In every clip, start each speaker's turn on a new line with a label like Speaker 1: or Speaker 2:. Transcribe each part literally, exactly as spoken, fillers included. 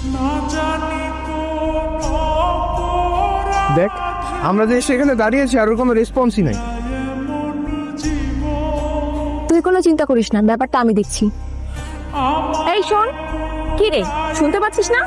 Speaker 1: দেখ, আমরা যে সেখানে দাঁড়িয়েছি আর ওর কোনো রেসপন্সই নাই।
Speaker 2: তুই কোনো চিন্তা করিস না, ব্যাপারটা আমি দেখছি। এই শোন, কি রে, শুনতে পাচ্ছিস না?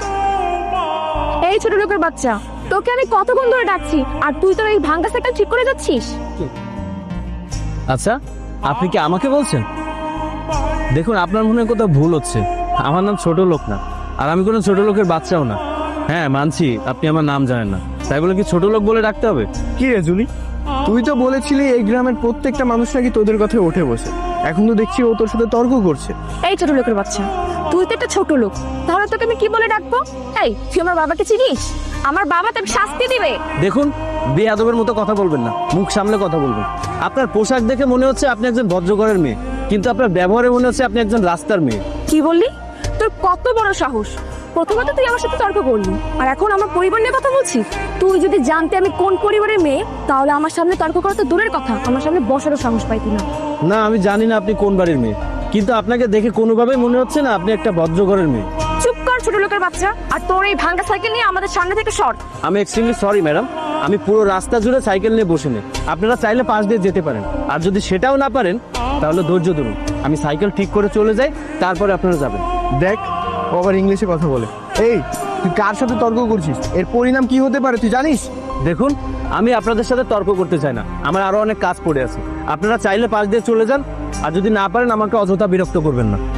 Speaker 2: এই ছোট লোকের বাচ্চা, তোকে আমি কতক্ষণ ধরে ডাকছি আর তুই তোর এই ভাঙ্গা সাইকেল ঠিক করে যাচ্ছিস।
Speaker 3: আচ্ছা, আপনি কি আমাকে বলছেন? দেখুন, আপনার মনে হয় কোথাও ভুল হচ্ছে। আমার নাম ছোট লোক না, আর আমি কোনো ছোট লোকের বাচ্চাও না। হ্যাঁ, মানছি আপনি আমার নাম জানেন না, তাই বলে কি ছোট লোক বলে ডাকতে হবে?
Speaker 1: কি রে জুলি, তুই তো বলেছিলি এই গ্রামের প্রত্যেকটা মানুষ নাকি তোদের কথায় উঠে বসে, এখন তো দেখছি ও তোর সাথে তর্ক করছে।
Speaker 2: এই ছোট লোকের বাচ্চা, তুই তো একটা ছোট লোক, তাহলে তোকে আমি কি বলে ডাকবো? এই, তুই আমার বাবাকে চিনিস? আমার বাবা তোকে শাস্তি দিবে।
Speaker 3: দেখুন, বেয়াদবের মতো কথা বলবেন না, মুখ সামলে কথা বলবেন। আপনার পোশাক দেখে মনে হচ্ছে আপনি একজন ভদ্রঘরের মেয়ে, কিন্তু আপনার ব্যবহারে মনে হচ্ছে আপনি একজন রাস্তার মেয়ে।
Speaker 2: কি বললি? তোর কত বড় সাহস! প্রথমত তুই আমার সাথে তর্ক করলি, আর এখন আমার পরিবার নিয়ে কথা বলছিস। তুই যদি জানতে আমি কোন পরিবারের মেয়ে, তাহলে আমার সামনে তর্ক করা তো দূরের কথা, আমার সামনে বসারও সাহস পাইতি না।
Speaker 3: না, আমি জানি না আপনি কোন বাড়ির মেয়ে, কিন্তু আপনাকে দেখে কোনোভাবেই মনে হচ্ছে না আপনি একটা ভদ্রঘরের মেয়ে।
Speaker 2: চুপ কর ছোট লোকের বাচ্চা, আর তোর এই ভাঙ্গা সাইকেল নিয়ে আমাদের সামনে থেকে সর।
Speaker 3: আমি এক্সট্রিমলি সরি ম্যাডাম, আমি পুরো রাস্তা জুড়ে সাইকেল নিয়ে বসে নেই। আপনারা চাইলে পাশ দিয়ে যেতে পারেন, আর যদি সেটাও না পারেন তাহলে ধৈর্য ধরুন, আমি সাইকেল ঠিক করে চলে যাই, তারপরে আপনারা যাবেন।
Speaker 1: দেখ, ও আবার ইংলিশে কথা বলে। এই, তুই কার সাথে তর্ক করছিস? এর পরিণাম কি হতে পারে তুই জানিস?
Speaker 3: দেখুন, আমি আপনাদের সাথে তর্ক করতে চাই না, আমার আরো অনেক কাজ পড়ে আছে। আপনারা চাইলে পাশ দিয়ে চলে যান, আর যদি না পারেন আমাকে অযথা বিরক্ত করবেন না।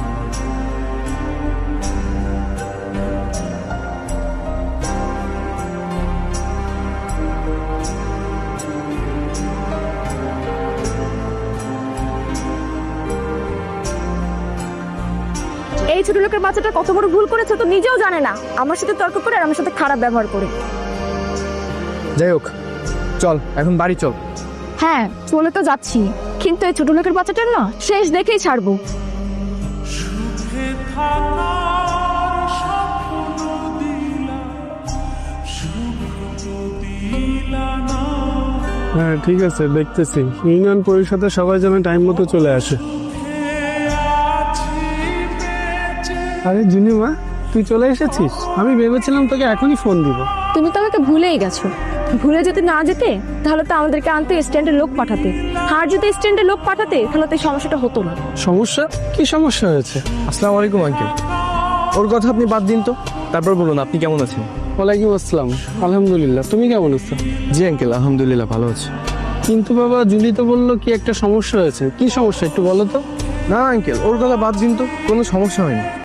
Speaker 2: এই ছোট লোকের বাচ্চাটা কত বড় ভুল করেছে তো নিজেও জানে না, আমার সাথে তর্ক করে আর আমার সাথে খারাপ ব্যবহার করে।
Speaker 1: যাই হোক, চল এখন বাড়ি চল।
Speaker 2: হ্যাঁ, চলে তো যাচ্ছি, কিন্তু এই ছোট লোকের বাচ্চাটার না শেষ দেখেই ছাড়বো।
Speaker 4: হ্যাঁ ঠিক আছে, দেখতেছি। ইউনিয়ন পরিষদে সবাই যেন টাইম মতো চলে আসে। আরে জুনিমা, তুই চলে এসেছিস? আমি ভেবেছিলাম তোকে এখনই ফোন দিব।
Speaker 2: তুমি তো আমাকে ভুলেই গেছো। ভুলে যদি না যেতে তাহলে তো আমাদেরকে আনতে স্ট্যান্ডে লোক পাঠাতে, আর যদি স্ট্যান্ডে লোক পাঠাতে তাহলে তো এই সমস্যাটা হতো না।
Speaker 4: সমস্যা? কি সমস্যা হয়েছে?
Speaker 1: আসসালামু আলাইকুম আঙ্কেল। ওর কথা আপনি বাদ দিন তো, তারপর বলুন আপনি কেমন আছেন।
Speaker 4: ওয়ালাইকুম আসসালাম, আলহামদুলিল্লাহ। তুমি কেমন আছো?
Speaker 1: জি আঙ্কেল, আলহামদুলিল্লাহ ভালো আছি।
Speaker 4: কিন্তু বাবা, জুলি তো বললো কি একটা সমস্যা হয়েছে। কি সমস্যা একটু বলো তো।
Speaker 1: না আঙ্কেল, ওর কথা বাদ দিন তো, কোনো সমস্যা হয়নি।